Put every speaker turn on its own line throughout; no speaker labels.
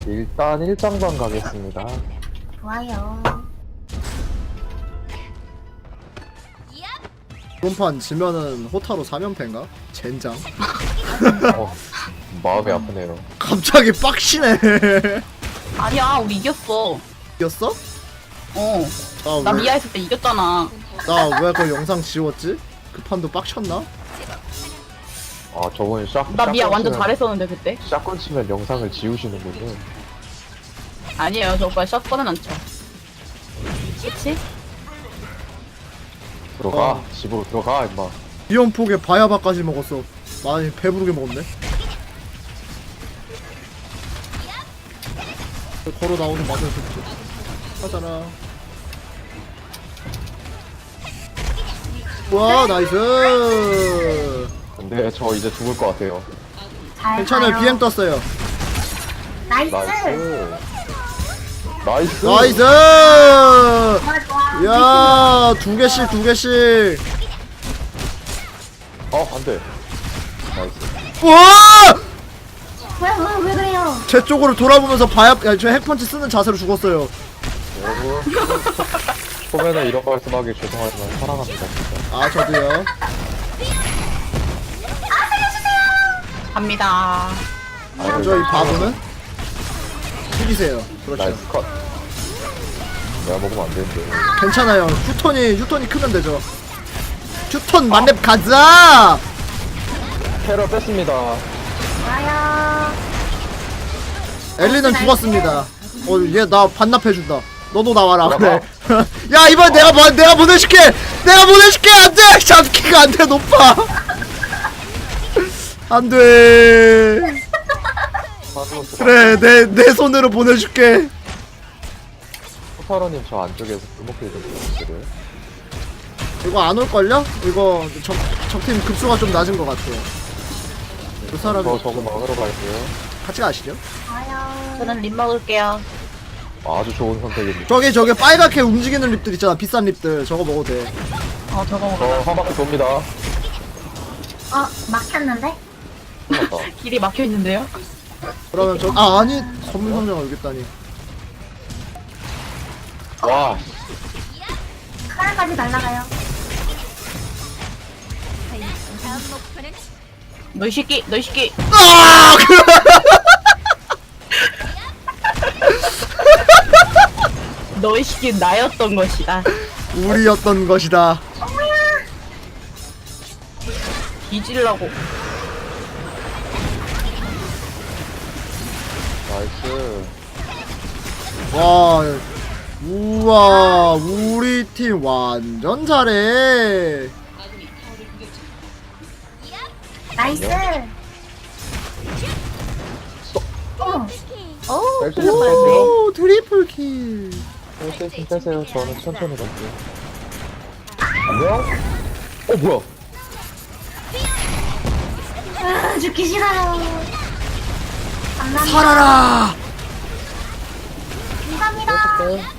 일단 1장방 가겠습니다.
좋아요.
이번 판 지면은 호타로 3연패인가? 젠장.
마음이 아프네요.
갑자기 빡치네.
아니야, 우리 이겼어.
이겼어?
어. 나 미아 했을 때 이겼잖아.
나왜 그 영상 지웠지? 그 판도 빡쳤나?
아, 저번에
나 미아
샷건
완전
치면-
잘했었는데 그때.
샷건 치면 영상을 지우시는군요.
아니에요, 저 오빠 샷건은 안 쳐. 그치?
들어가. 집으로 들어가, 임마.
이연폭에 바야바까지 먹었어. 많이 배부르게 먹었네. 걸어 나오는 맛을 좋지. 하잖아. 와 나이스.
근데 저 이제 죽을 것 같아요.
잘
괜찮아요.
가요.
BM 떴어요.
나이스.
나이스. 나이스.
나이스.
좋아 좋아.
야, 두 개씩 두 개씩.
안 돼. 나이스.
와!
왜 그래요?
제 쪽으로 돌아보면서 저 핵펀치 쓰는 자세로 죽었어요.
여러분. 초면에 이런 말씀하기 죄송하지만 사랑합니다, 진짜.
아, 저도요.
갑니다.
저 이 바보는 죽이세요. 그렇죠.
나이스 컷. 내가 먹으면 안 되는데.
괜찮아요. 휴턴이 크면 되죠. 휴턴 만렙 가자.
캐러 뺐습니다.
좋아요.
엘리는 죽었습니다. 얘 나 반납해준다. 너도 나와라. 그래. 야, 이번 내가 보내줄게. 내가 보내줄게. 안돼. 잡기가 안돼. 높아. 안돼. 그래, 내 손으로 보내줄게.
호타로님 저 안쪽에서 불목길 좀 부탁드려요.
이거 안 올걸요? 이거 적팀 급수가 좀 낮은 것 같아요. 그 사람이
저거 막으러 갈게요.
같이 가시죠.
좋아요.
저는 립 먹을게요.
아주 좋은 선택입니다.
저기 빨갛게 움직이는 립들 있잖아. 비싼 립들. 저거 먹어도 돼.
저거 먹어.
한 바퀴 돕니다.
막혔는데?
끝났다.
길이 막혀 있는데요?
그러면 아니 선물 상자가 여기 있다니.
와,
하나까지 날라가요.
너 이 새끼.
아!
너의 새끼 나였던 것이다.
우리였던 것이다.
뒤질라고.
나이스.
와, 우와, 우리 팀 완전 잘해.
나이스.
뺄수
오, 트리플 킬.
빼세요. 저는 천천히 갈게요. 안녕? 뭐야?
죽기 싫어요. 감사합니다.
살아라.
감사합니다.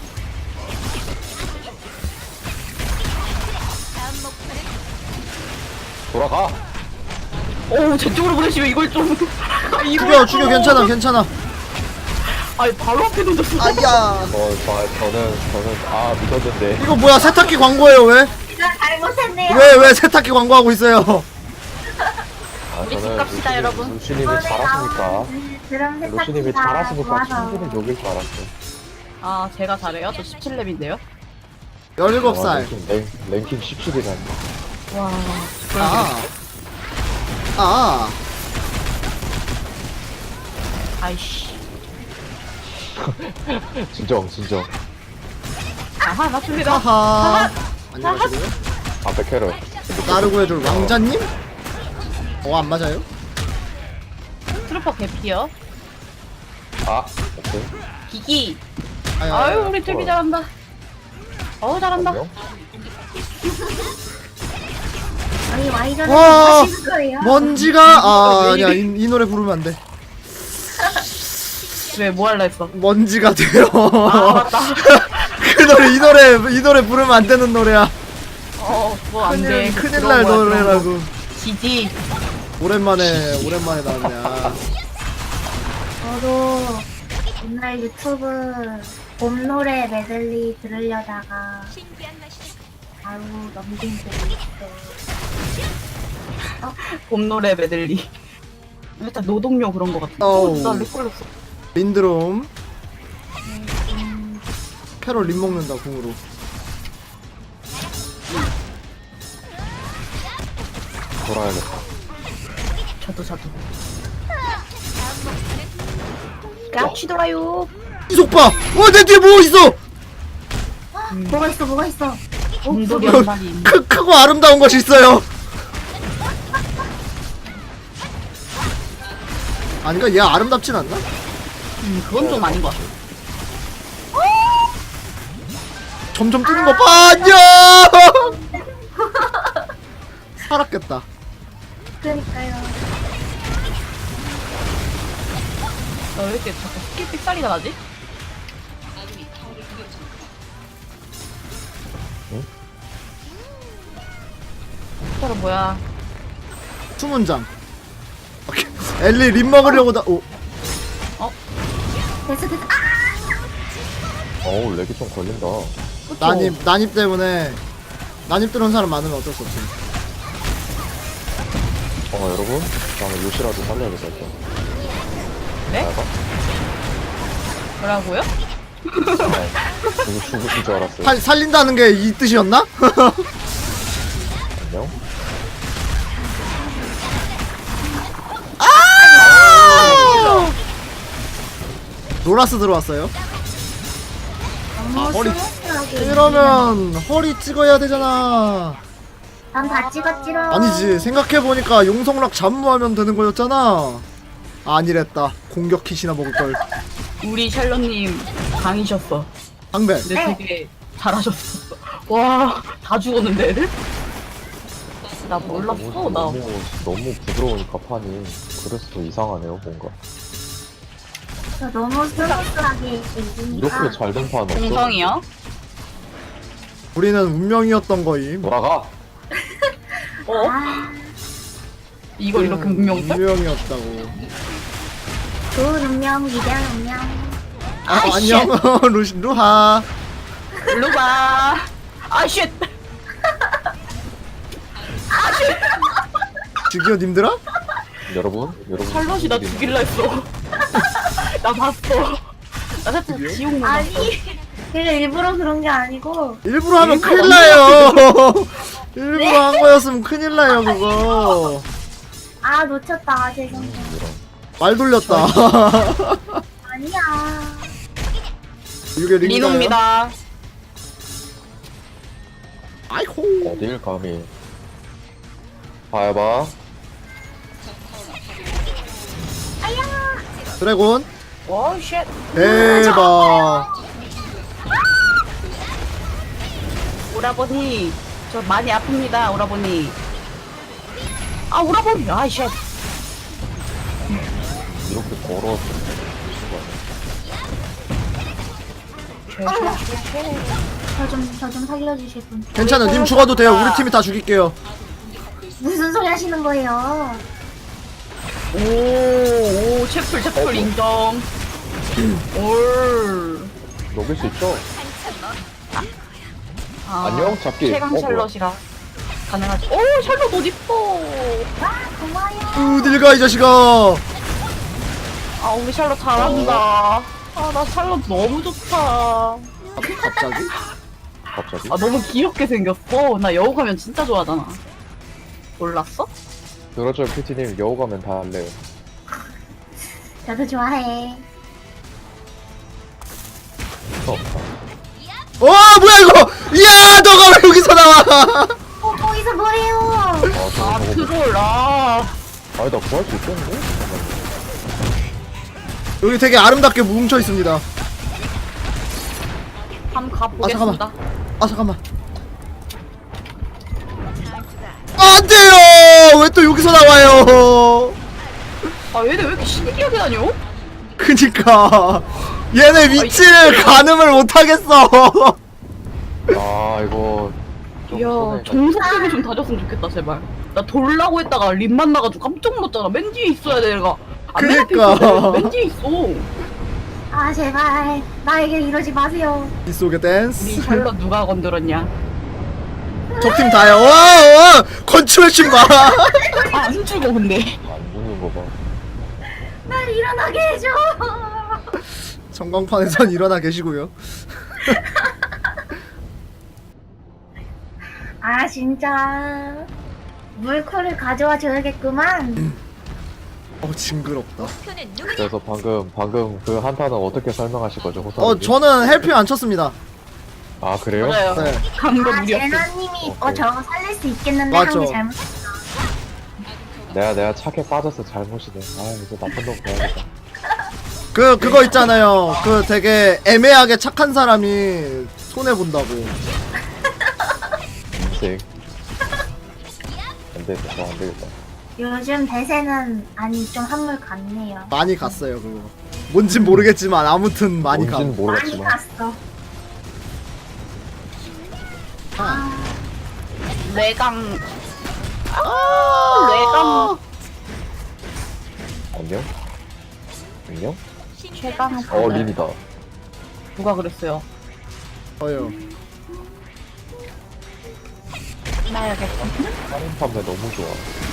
돌아가.
오, 저쪽으로 보내시면 이걸 좀.
죽여, 괜찮아.
아니, 바로 앞에 던졌어.
아야.
저는 믿었는데.
이거 뭐야? 세탁기 광고예요 왜?
제가 잘못했네요.
왜 세탁기 광고하고 있어요?
우리 집 갑시다, 여러분.
루시님이
이번에
잘하시니까.
나온 드럼
루시님이
세탁기가
잘하시니까
좋아서.
충분히 녹일 줄 알았어.
아, 제가 잘해요? 저 17렙인데요?
17살.
랭킹 17이라니.
와.
아.
아이씨.
진정.
아하, 맞습니다.
하하. 안녕하세요.
앞에 캐럴.
나르고 해줄 왕자님? 안 맞아요?
트루퍼 개피요.
오케이.
기기.
아유,
아유, 우리 트비 잘한다. 잘한다.
안녕?
아니 와이전에
와,
하시는 거예요?
먼지가 아니야 이 노래 부르면 안 돼.
왜, 뭐 할라 했어?
먼지가 돼요.
아, 맞다.
그 이 노래 부르면 안 되는 노래야.
그거 안 돼.
큰일 날 노래라고.
지지.
오랜만에 나왔냐.
저도 오늘 유튜브 봄 노래 메들리 들으려다가 바로 넘긴 적이 있어.
봄 노래 메들리. 일단 노동요 그런 거 같아.
어우.
나 렉걸렸어.
린드롬. 캐롤 린 먹는다 궁으로.
돌아야겠다.
저도. 같이 돌아요.
이속 봐. 내 뒤에 뭐 있어?
뭐가 있어?
곰돌이 한 마리.
크고 아름다운 것이 있어요. 아니가 얘 아름답진 않나?
그건 좀 아닌 것 같아.
점점 뜨는 거 봐. 안녕. 살았겠다.
그러니까요.
나 왜 이렇게 자꾸 스킬 삑살이 나지?
응?
사람 뭐야?
수문장. 오케이. 엘리 림 먹으려고 다. 오.
됐어.
어우 렉이 좀 걸린다.
그쵸?
난입 때문에 난입 들어온 사람 많으면 어쩔 수 없지.
여러분 다음에 요시라도 살려야겠다. 일단.
네?
나가.
뭐라고요?
누구 죽으신 줄 알았어요.
살린다는 게 이 뜻이었나?
안녕.
노라스 들어왔어요.
너무
허리-
스무스하게.
이러면 허리 찍어야 되잖아.
난다 찍었지롱.
아니지, 생각해보니까 용성락 잠무하면 되는 거였잖아. 아니랬다. 공격 킷이나 먹을걸.
우리 샬럿님 강이셨어.
방배.
근데
네.
되게 잘하셨어. 와, 다 죽었는데 애들? 나 몰랐어. 나
너무 부드러우니까 판이 그래서 이상하네요 뭔가.
저 너무 스무스하게 이기니까.
이렇게 잘 된 판 없어.
공성이야?
우리는 운명이었던 거임.
돌아가.
어?
아,
이걸 이렇게 운명을?
운명이었다고.
좋은 운명, 위대한 운명.
아이씨.
안녕. 루하.
일로 봐. 아, 쉣.
저기요, 님들아?
여러분
샬럿이 나 죽일라 했어. 나 봤어. 나 살짝 지옥 먹었어.
아니, 그게 일부러 그런 게 아니고.
일부러 하면
일부러
큰일 나요. 일부러 한 거였으면 큰일 나요, 그거.
아, 놓쳤다. 죄송해요.
말 돌렸다.
아니야.
이게 링가요?
리노입니다.
아이고.
어딜 감히. 봐봐.
드래곤.
와, 쉣.
대박.
오라버니, 저 많이 아픕니다, 오라버니. 아, 오라버니. 아, 쉣.
이렇게 걸어서
저 좀 살려주실 분.
괜찮아, 님 죽어도 돼요. 우리 팀이 다 죽일게요.
무슨 소리 하시는 거예요?
오, 채플 인정. 올.
녹일 수 있죠?
아,
안녕, 잡기.
최강
뭐야.
샬럿이라 가능하지. 오, 샬럿 어딨어?
고마워요.
어딜 가, 이 자식아.
아, 우리 샬럿 잘한다. 아, 나 샬럿 너무 좋다.
갑자기?
갑자기?
아, 너무 귀엽게 생겼어. 나 여우 가면 진짜 좋아하잖아. 몰랐어?
그렇죠 PT님 여우 가면 다 할래요.
저도 좋아해.
없다.
뭐야, 이거! 이야, 너가 왜 여기서 나와!
거기서 뭐해요?
아 저거
아,
저거
트롤, 아.
아니 나 구할 수 있겠는데? 잠깐만.
여기 되게 아름답게 뭉쳐 있습니다.
한번 가보겠습니다.
잠깐만. 안 돼요! 왜 또 여기서 나와요?
아, 얘네 왜 이렇게 신기하게 다녀?
그니까. 얘네 위치를 가늠을 못하겠어.
아 이거 좀
이야,
손해가
정석되게 좀 다졌으면 좋겠다, 제발. 나 돌라고 했다가 립 만나가지고 깜짝 놀랐잖아. 맨 뒤에 있어야 돼, 내가. 안 맨 앞에
그니까.
있어야 돼. 맨 뒤에 있어.
아 제발 나에게 이러지 마세요.
이 속의
우리
댄스.
샬롯 누가 건드렸냐?
적팀 다요. 와, 건축의 마.
안 죽어 근데.
안 죽는 거 봐.
날 일어나게 해줘.
전광판에선 일어나 계시고요.
아 진짜 물코를 가져와 줘야겠구만.
징그럽다.
그래서 방금 그 한타는 어떻게 설명하실 거죠, 호사님?
저는 헬피 안 쳤습니다.
아, 그래요?
맞아요.
네.
강도
아
무리였어.
제나님이
오케이.
저거 살릴 수 있겠는데
맞죠.
한 게 잘못했어.
내가 착해 빠져서 잘못이네. 아, 이제 나쁜 놈 봐야겠다.
그거 있잖아요. 그 되게 애매하게 착한 사람이 손해 본다고.
인생. 안 되겠다, 안 되겠다.
요즘 대세는 아니 좀 한물 같네요.
많이 갔어요 그거. 뭔진 모르겠지만 아무튼 많이 가.
뭔진
많이
모르겠지만.
갔어.
뇌강. 뇌강.
안녕? 안녕?
최강.
린이다.
누가 그랬어요?
어요.
나야겠다.
하는 판매 너무 좋아.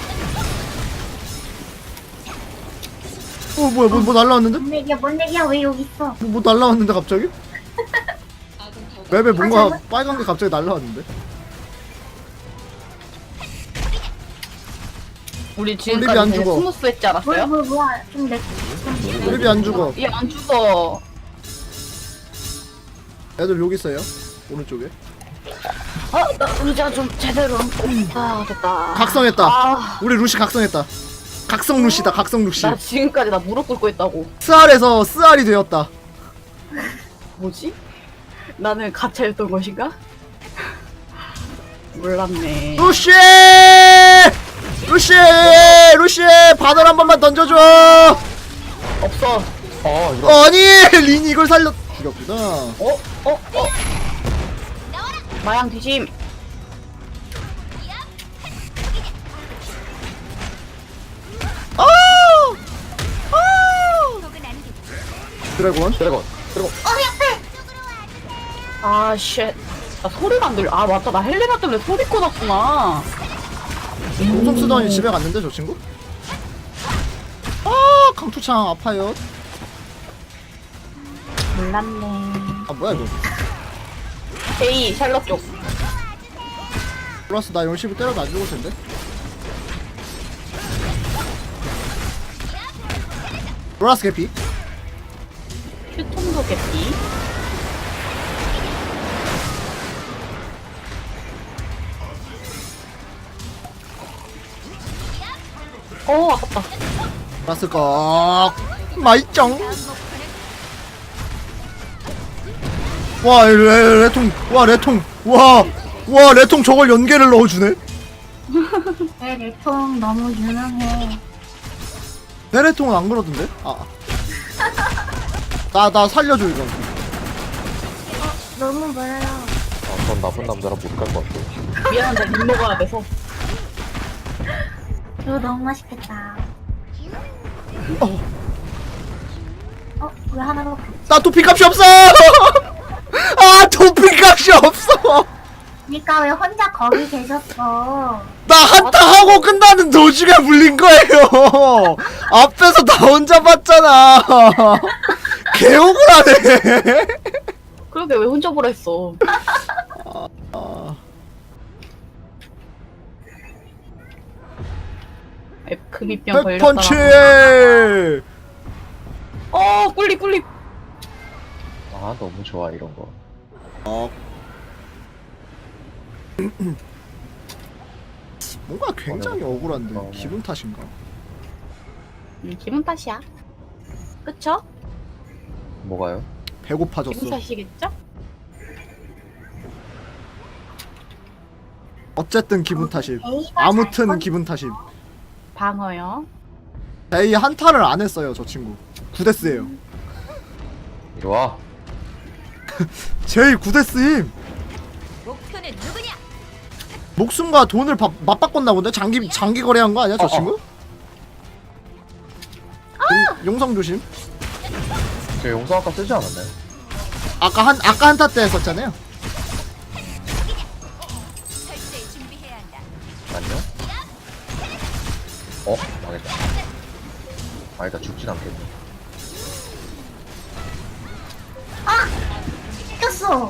뭐야 뭐 날라왔는데?
뭔 얘기야 왜 여기 있어?
뭐 날라왔는데 갑자기? 맵에 뭔가 빨간 게 갑자기 날라왔는데?
우리
립이
지금까지
안
되게
죽어.
스무스했지 않았어요?
뭐야 좀내
립이 안 죽어.
얘 안 죽어.
애들 여기 있어요. 오른쪽에.
나 의자 좀 제대로. 됐다.
각성했다.
아,
우리 루시 각성했다. 각성 루시다. 각성 루시.
나 지금까지 나 무릎 꿇고 있다고.
스알에서 스알이 되었다.
뭐지? 나는 가차였던 것인가? 몰랐네.
루시! 루시! 루시! 바늘 한 번만 던져줘!
없어.
이거
아니! 린이 이걸 살려 죽였구나.
마양 뒤심.
드래곤.
드래곤.
아, 쉣. 나 소리가 안 들려. 아, 맞다. 나 헬레나 때문에 소리 꺼놨구나.
공속 쓰더니 집에 갔는데 저 친구? 강투창 아파요.
몰랐네.
뭐야 이거.
제이, 샬럿 쪽.
플러스 나 열심히 때려도 안 죽을 텐데. 로라스 개피.
휴통도 개피. 아깝다.
로라스 꺽. 마이짱. 와 레통. 와 레통. 와 레통 저걸 연계를 넣어주네.
내 내통 너무 유능해.
내 레통은 안 그러던데? 나 살려줘 이거.
너무 멀어요.
전 나쁜 남자랑 못 갈 것 같아.
미안한데, 립 먹어야 돼서.
이거 너무 맛있겠다. 왜 하나도
나 도피값이 없어. 도피값이 없어.
그니까 왜 혼자 거기 계셨어?
나 한타 하고 끝나는 도중에 물린 거예요. 앞에서 나 혼자 봤잖아. 개억울하네.
그러게, 왜 혼자 보라 했어. 금이병
백펀치.
걸렸다가. 꿀립.
너무 좋아, 이런 거.
뭔가 굉장히 억울한데 기분 탓인가?
기분 탓이야. 그쵸?
뭐가요?
배고파졌어.
기분 탓이겠죠?
어쨌든 기분 탓임. 아무튼 기분 탓임.
방어요.
제이 한타를 안 했어요 저 친구. 9데스예요.
이리 와.
제이 9데스임.
목표는 누구냐?
목숨과 돈을 맞바꿨나 본데? 장기 거래한 거 아니야 저 친구? 용성 조심.
저 용서 아까 쓰지 않았나요?
아까 한타 때 했었잖아요.
철저히 준비해야 한다.
아니요? 망했다. 아니다, 죽진 않겠네.
아! 꼈어.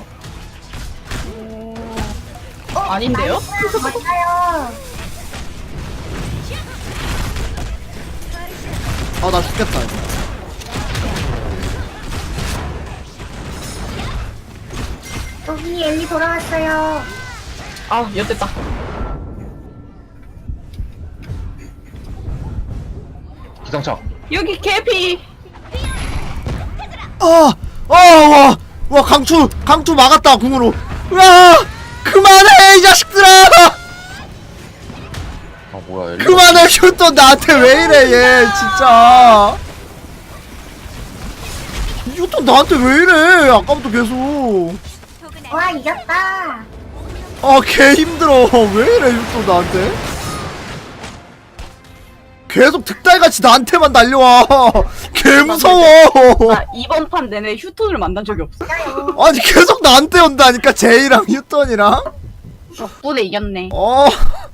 아닌데요?
맞아요.
아, 나 죽겠다, 이거.
여기 엘리 돌아왔어요.
아, 엿됐다.
기상차!
여기 개피.
와, 강투 막았다, 궁으로. 으아! 그만해, 이 자식들아!
아, 뭐야, 엘리.
그만해, 휴ton 나한테 왜 이래, 얘, 진짜. 휴ton 나한테 왜 이래, 아까부터 계속.
포근한
와, 이겼다.
아, 개 힘들어. 왜 이래, 휴ton 나한테? 계속 득달같이 나한테만 달려와. 개 무서워.
나 이번 판 내내 휴톤을 만난 적이 없어.
아니, 계속 나한테 온다니까, 제이랑 휴ton이랑.
덕분에 이겼네.